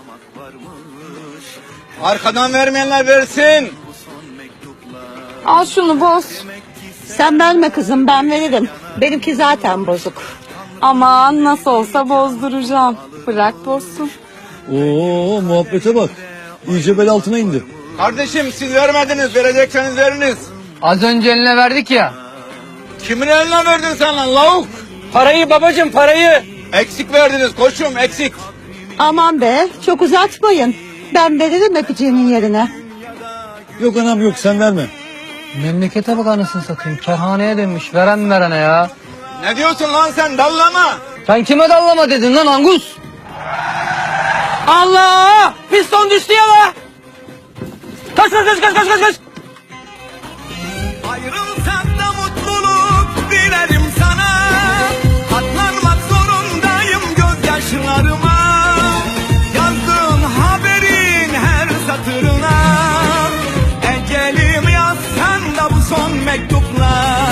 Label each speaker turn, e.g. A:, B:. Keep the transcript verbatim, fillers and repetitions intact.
A: Arkadan vermeyenler versin.
B: Al şunu boz.
C: Sen verme kızım, ben veririm. Benimki zaten bozuk.
B: Aman nasıl olsa bozduracağım. Bırak bozsun.
D: Oo, muhabbete bak. İyice bel altına indi.
A: Kardeşim siz vermediniz, verecekseniz veriniz.
E: Az önce eline verdik ya.
A: Kimin eline verdin sen lan lavuk?
E: Parayı babacığım, parayı.
A: Eksik verdiniz koçum, eksik.
C: Aman be, çok uzatmayın. Ben veririm öpücüğünün yerine.
D: Yok anam yok, sen verme.
E: Memlekete bak anasını satayım. Kerhaneye dönmüş. Veren verene ya.
A: Ne diyorsun lan sen, dallama?
E: Sen kime dallama dedin lan Angus? Allah! Piston düştü ya la! Kaç kaç kaç kaç kaç kaç kaç!
F: Ayrılsak da mutluluk dilerim sana. Katlanmak zorundayım gözyaşlarıma. Yazdığın haberin her satırına. Ecelim yazsan da bu son mektuplar.